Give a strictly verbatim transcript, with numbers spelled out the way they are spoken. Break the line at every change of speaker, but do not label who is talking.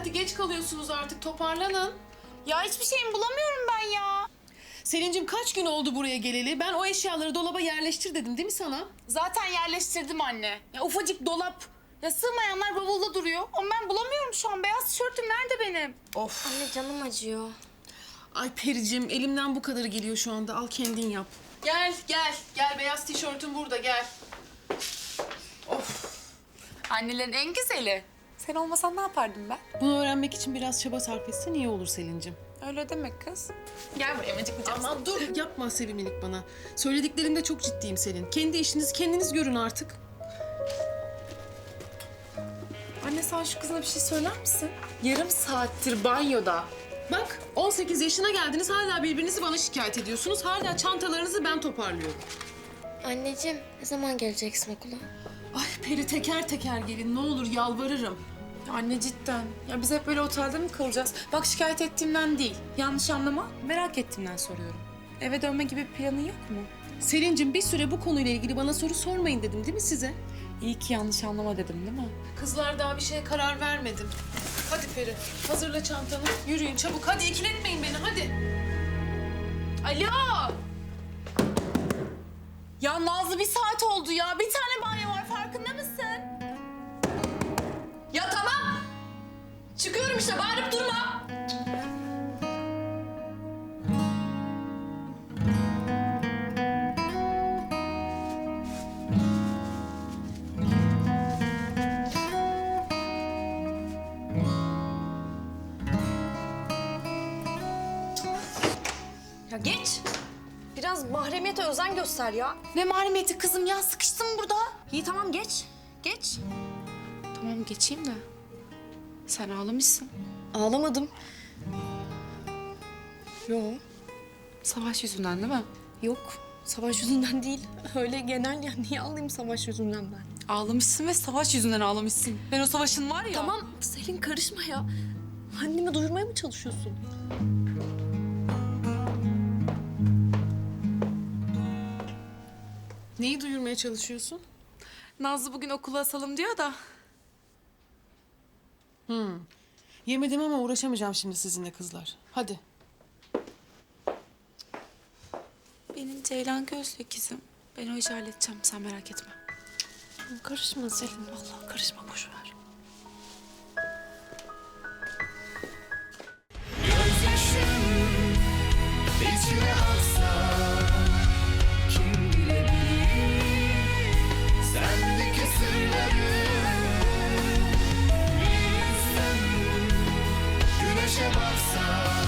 hadi geç kalıyorsunuz artık, toparlanın.
Ya hiçbir şeyimi bulamıyorum ben ya.
Selin'cim kaç gün oldu buraya geleli? Ben o eşyaları dolaba yerleştir dedim değil mi sana?
Zaten yerleştirdim anne. Ya ufacık dolap. Ya sığmayanlar bavulda duruyor. Ama ben bulamıyorum şu an. Beyaz tişörtüm nerede benim?
Of.
Anne canım acıyor.
Ay Pericim, elimden bu kadarı geliyor şu anda. Al kendin yap. Gel, gel. Gel, beyaz tişörtüm burada, gel. Of.
Annelerin en güzeli. Sen olmasan ne yapardım ben?
Bunu öğrenmek için biraz çaba sarf etsen iyi olur Selin'cim.
Öyle demek kız. Gel buraya mıcıklayacağım.
Aman dur, yapma sevimlilik bana. Söylediklerimde çok ciddiyim Selin. Kendi işinizi kendiniz görün artık.
Anne sen şu kızına bir şey söyler misin? Yarım saattir banyoda.
Bak, on sekiz yaşına geldiniz, hala birbirinizi bana şikayet ediyorsunuz. Hala çantalarınızı ben toparlıyorum.
Anneciğim ne zaman geleceksin okula?
Ay Peri, teker teker gelin, ne olur yalvarırım.
Ya anne cidden. Ya biz hep böyle otelde mi kalacağız? Bak şikayet ettiğimden değil. Yanlış anlama. Merak ettiğimden soruyorum. Eve dönme gibi bir planın yok mu?
Selin'cim, bir süre bu konuyla ilgili bana soru sormayın dedim değil mi size?
İyi ki yanlış anlama dedim değil mi?
Kızlar, daha bir şeye karar vermedim. Hadi Peri, hazırla çantanı. Yürüyün çabuk, hadi ikiletmeyin beni, hadi.
Alo! Ya Nazlı bir saat oldu ya. Bir tane banyo var farkında mısın?
Ya tamam. Çıkıyorum işte, bağırıp durma.
Ya geç. Biraz mahremiyete özen göster ya.
Ne mahremiyeti kızım ya, sıkıştım burada.
İyi tamam geç. Geç.
Tamam geçeyim de. Sen ağlamışsın.
Ağlamadım. Yo.
Savaş yüzünden değil mi?
Yok. Savaş yüzünden değil. Öyle genel ya. Niye ağlayayım savaş yüzünden ben?
Ağlamışsın ve savaş yüzünden ağlamışsın. Ben o savaşın var ya.
Tamam Selin karışma ya. Annemi duyurmaya mı çalışıyorsun?
Neyi duyurmaya çalışıyorsun?
Nazlı bugün okula asalım diyor da.
Hmm. Yemedim ama uğraşamayacağım şimdi sizinle kızlar. Hadi.
Benim Ceylan gözlü ikizim. Ben o işi halledeceğim, sen merak etme.
Karışma Selin. Vallahi karışma boş ver.
Gözyaşım içime aksa kim bilebilir sendeki sırları bir yüzden güneşe baksa